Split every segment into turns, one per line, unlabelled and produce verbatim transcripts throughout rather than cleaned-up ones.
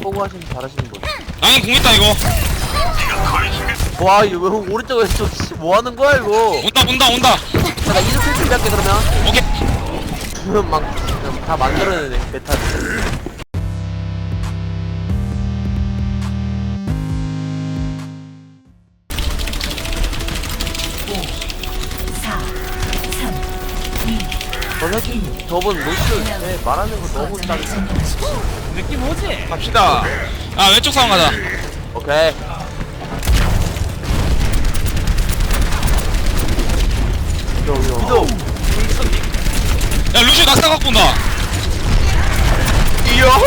보고 하시면 잘하시는 분.
라인 공 있다 이거.
와 이거 왜 오른쪽에서 뭐 하는 거야 이거?
온다 온다 온다.
자, 나 이륙 필 준비할게 그러면.
오케이.
막다 만들어내네 메타를. 저는 저번 로스 때 말하는 거 너무 딱
느낌 오지?
갑시다.
아 왼쪽 상황 가자.
오케이. 위도
야 루시 낙사 갖고 온다.
이요.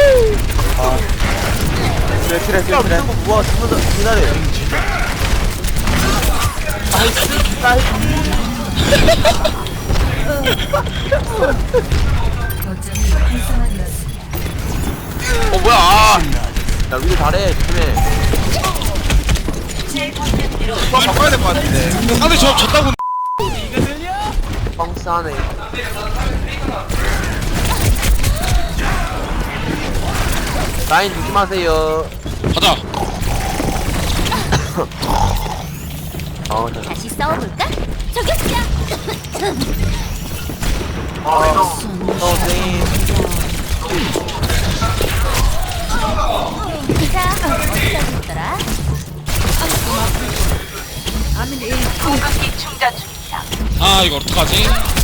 그래 그래 그래 그래 우와 죽는다 기다려. 나이스 나이스.
어 뭐야? 아,
야 위도 잘해 조심해.
이거 바꿔야 될 것 같은데.
상대 저 졌다고.
펑스하네. 라인 조심하세요.
가자.
어, 자,
다시 싸워볼까? 저격자!
어, 선생님.
자, 어디다 줬더라? 공격기 충전 중이야.
아 이거 어떡하지?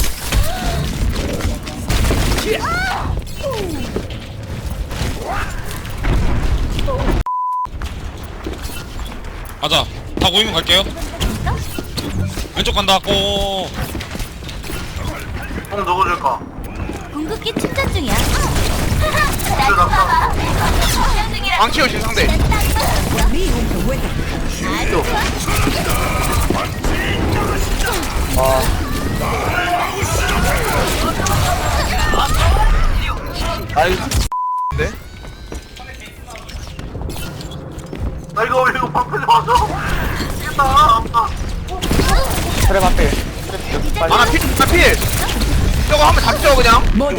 가자. 다 모이면 갈게요. 왼쪽 간다. 오.
형 누구 줄까?
공격기 충전 중이야. 하하, 충전 중이라.
방치우신 상대.
아이,
네? 나 이거 이거 방패 맞아. 미쳤다.
그래, 맞대.
아나 필, 나 필. 저거 한번 잡죠 그냥.
뭐야?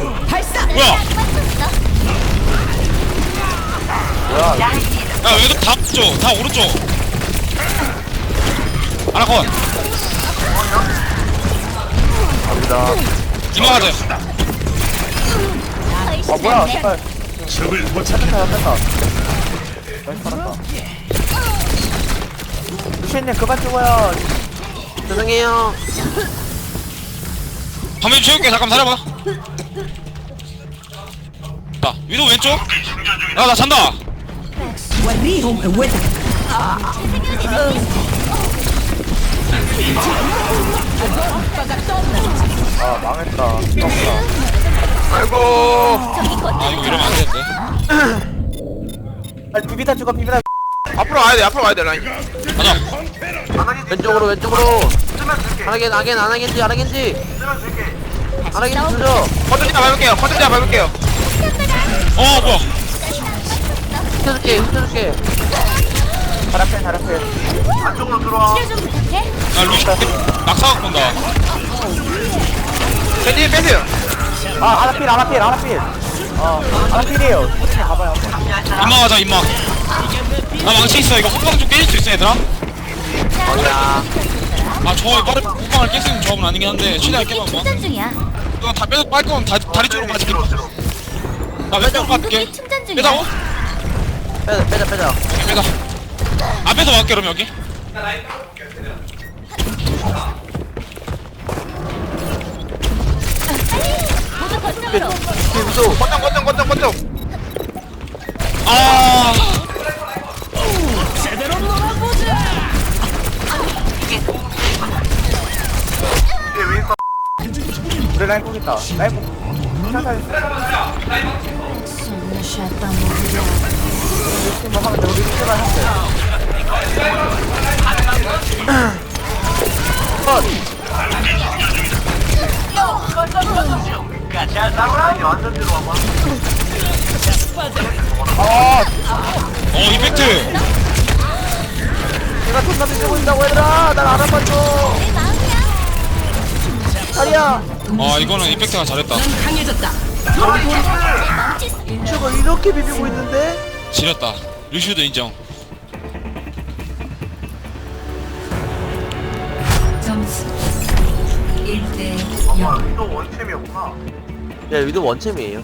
뭐야,
야 왼쪽 다 오른쪽. 다 오른쪽. 하나 컷.
갑니다.
이마 가자.
아, 뭐야, 색깔. 뺐다, 뺐다. 나이스, 살았다. 루시님, 그만 죽어요. 죄송해요.
화면 채울게. 잠깐 기다려봐. 자 위도 왼쪽. 야나 잔다.
아, 망했다. 떴다.
아이고.
아 이거 이러면 안 되는데.
아, 비비다 죽어, 비비다.
앞으로 와야 돼. 앞으로 와야 돼 라인.
가자.
왼쪽으로, 왼쪽으로. 안하겐, 안하겐, 안하겐지, 안하겐지. 안하겐지 주죠.
컨트롤 밟을게요. 컨트롤 밟을게요.
어 뭐야?
훔쳐줄게, 훔쳐줄게. 잘할게, 잘할게.
안쪽으로 들어와.
치료 좀 부탁해.
야 루시 낙사 갖고 온다.
겐지 빼세요.
아, 아나필, 아나필, 아나필. 어, 아나필이에요. 호칭 가봐요.
임마 가자 임마. 나 망치 있어. 이거 호빵 좀 깨질 수 있어 얘들아?
어야.
아저 빠른 호빵을 깰 수 있는 조합은 아니긴 한데 최대한 깨봐 봐.
충전 중이야.
이거 다 빼, 빨 거면 다, 다리 쪽으로 빠질게. 나 왼쪽 갈게.
공격기 충전 중이야.
빼자고?
빼자, 빼자, 빼자.
오케이 빼자. 앞에서 막게 그럼 여기.
모두 거점으로.
비비도.
권정 권정 권정 권정.
아
제대로 놀아보자!
뒤에 윈서.
우리 라인 꼭 있다. 라인 꼭. 상상. 루시 뭐 하면 돼. 우리 루시만 하면 돼. 컷.
라인이 완전 뒤로 와봐.
아,
어 이펙트.
내가 존나 비비고 있다고 얘들아. 날 알아봐줘.
내 마음이야.
다리야.
아 이거는 이펙트가 잘했다.
멈칫.
저거 이렇게 비비고 있는데?
지렸다. 루시우도 인정.
점수 일 대
아
영.
또 원챔이었구나.
야 위도 원챔이에요.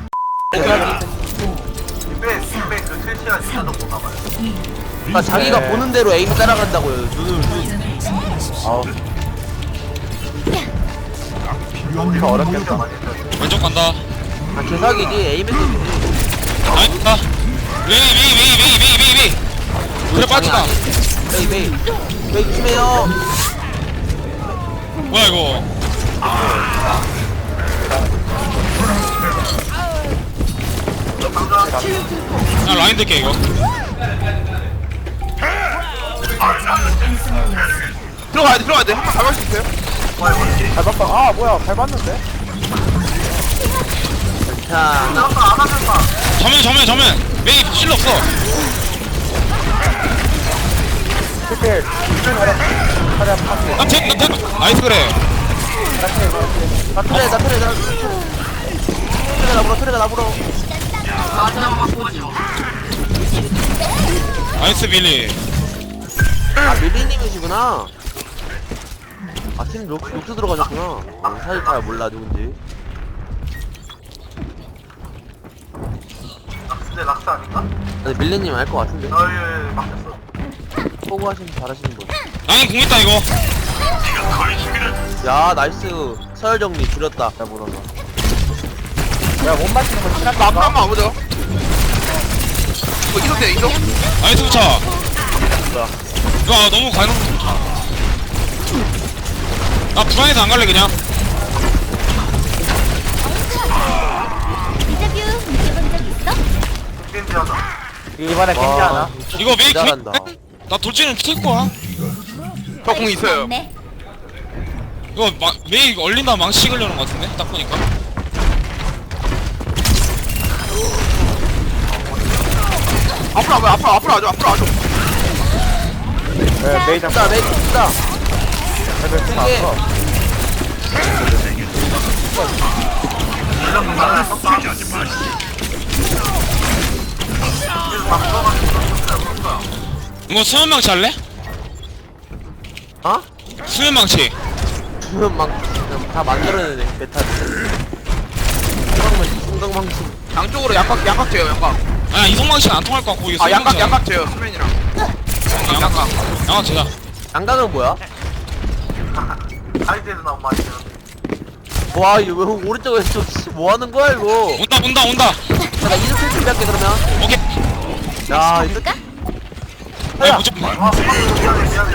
빼빼그 실시간 진짜 못 나가요.
그러니까 자기가 보는 대로 에임 따라간다고요. 눈을
거점을 점령하십시오.
아우. 우리가 어렵겠어.
왼쪽 간다.
아 개사기지 에임에서
아니 나 웨이 웨이 웨이 웨이 웨이 웨이 웨이. 그래 빠지다.
메이 메이 메이 조심해요.
뭐야 이거. 나 라인 될게 이거.
들어가야 돼 들어가야 돼. 한번 잡을 수 있어요?
밟았다. 아 뭐야 밟았는데?
자
정면 정면 정면. 웨이 실력 없어.
실패. 차례 파티.
나 템, 나 템. 나이스 그래.
나 트레 나 트레 나 트레가 나불어 트레가 나불어.
나이스 빌리.
아 밀리님이시구나. 아팀 록스 록스 들어가셨구나. 어, 사실 잘 몰라 누군지.
근데 락스 아닌가?
근데 밀리님 알 것 같은데.
어예 막혔어.
포구하시면 잘하시는 분.
라인 공 있다 이거.
야 나이스 서열 정리 줄였다.
잘 못한다. 야못 맞히는 거 친한
나 앞으로 한번 와보죠. 이거 이동 돼 이동?
나이스 부차. 야 너무 가는. 나 불안해서 안 갈래 그냥.
인터뷰 느껴본 적 있어?
겐지하다. 이번에 겐지 하나.
이거 메이
잘한다.
나 돌진은 킬 거야.
저 공 있어요.
네.
이거 마, 메이 얼린다 망치 찍으려는 거 같은데 딱 보니까.
앞으로 와봐 앞으로 앞으로 와줘 앞으로 와줘.
네 메이 잡.
자 메이 자
레벨 좀
이게
앞서.
이거 수면 망치 할래?
어?
수면 망치.
주면 막 그냥 다 만들어내네 메타를. 성강망 성강망치.
양쪽으로 양각 양각 돼요 양각.
아 이성 망치는 안 통할 것 같고 이거
아 양각
수면
양각 돼요 수면이랑.
망치.
양각.
양각 제자.
양각은 뭐야?
아이디에서 나온 말이죠.
와 이거 왜 오른쪽 왼쪽 씨, 뭐 하는 거야 이거?
온다 온다 온다.
자, 나 이름 쓸 준비할게 그러면.
오케이.
야 이거
볼까?
아니 무조건.
아 미안해 미안해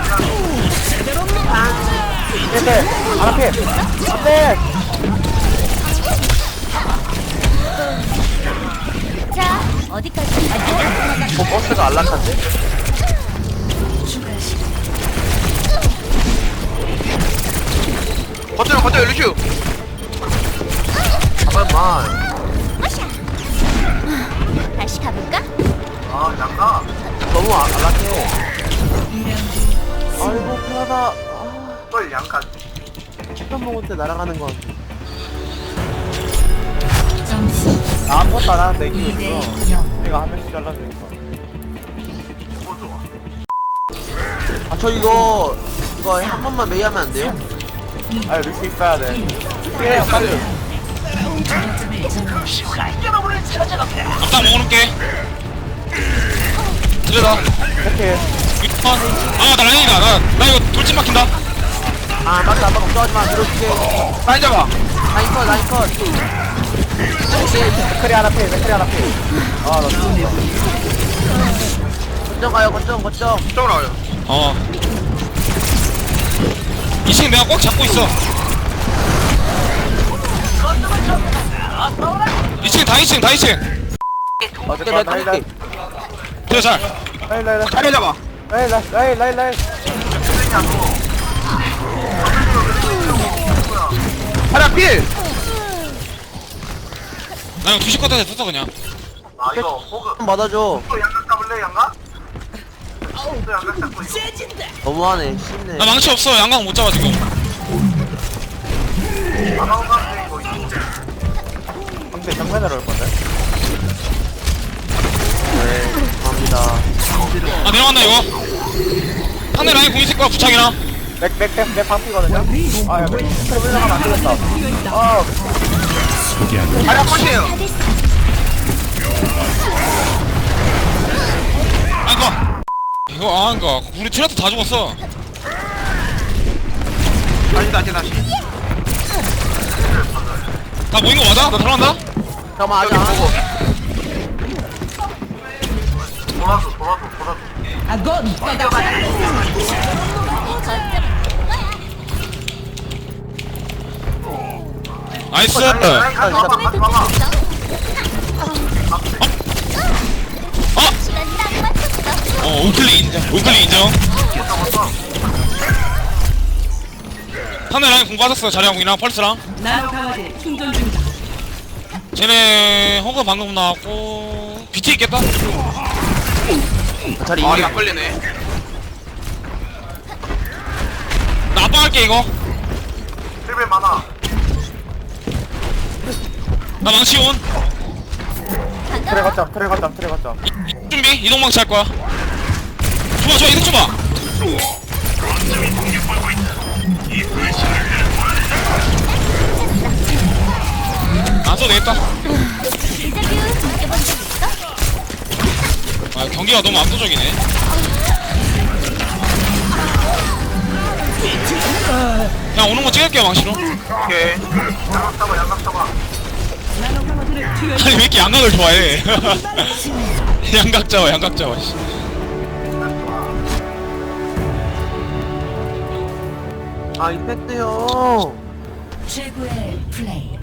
미안해. 네네 안 앞에. 안돼.
자, 어디까지 갈까?
뭐 버스가 안락한데?
추가 시간
거쳐요 거쳐요 루슈.
잠깐만.
마샤. 다시 가볼까?
아 양가.
너무 안- 안락해.
이 라운드
아이고 편하다. 아,
또 양가.
한 먹을 때 날아가는 거.
점수
아무것도 안 하는데
이
이기고
대
있어.
영.
내가 한 명씩 잘라주니까. 뭐 좋아.
아 저 이거 이거 한 번만 메이 하면 안 돼요?
아 루시 있어야 돼. 피해 빨리.
거점을 점령하십시오.
앞다 먹어놓을게. 들여다.
이렇게.
아나 라인이다. 나, 나 이거 돌진 막힌다.
아 맞다 아빠 걱정하지 마 밀어줄게.
라인 잡아.
라인 컷 라인 컷.
맥크리 하나 피해 맥크리 하나 피해. 아나 죽는다.
거점 가요 거점 거점.
이쪽으로 와요.
어. 이 층 내가 꽉 잡고 있어. 이 층 다 이 층 다 이 층.
어제
내가
라이
갈게.
그래 잘.
라이 라이 라이
자리 잡아.
라이 라이 라이 라이.
하나 필.
나 이거 두시 컷한테 썼어 그냥.
아 이거 호그.
좀 받아줘.
또 양각 잡을래 양각? 또 양각 잡고 이거.
너무하네 쉽네.
나 망치 없어. 양강 못 잡아 지금.
안 하고 가는데 이거 이거. 근데 정면으로 올 건데?
네.
들어간다 이거. 상대 라인 공 있을 거야 부착이나.
맥맥맥 방피거든요. 아, 야, 맥 트랩 올라가면 안 되겠다. 아,
자리야 컷이에요.
안가. 이거 안가. 우리 트레트 다 죽었어.
다시 다시 다시.
다 모인 거 맞아? 나 들어간다.
잠깐만
여기
하자.
보고.
나이스.
아, 진짜
거점에 도착했어.
어?
시간 딱 맞췄어.
어 우클릭 인정. 우클릭 인정. 상대 라인 공 빠졌어. 자리랑 공이랑 펄스랑.
나노 강화제 충전 중이다.
쟤네 허그 방금 나왔고 비트 있겠다.
자리
아,
이기.
안 걸리네.
나 압박할게 이거.
힐벨 많아.
나 망치 온.
트레 걷자, 트레 걷자, 트레 걷자.
준비 이동 망치 할 거야. 좋아 좋아 이동 줘봐. 안 써도 되겠다.
인터뷰 느껴본 적 있어?
아 경기가 너무 압도적이네. 그냥 오는 거 찍을게요 망치로.
오케이. 양각 잡아 양각 잡아.
나노 강화제를 투여.
아니 왜 이렇게 양각을 좋아해? 양각 잡아 양각 잡아. 씨.
아, 임팩트 형.
최고의 플레이.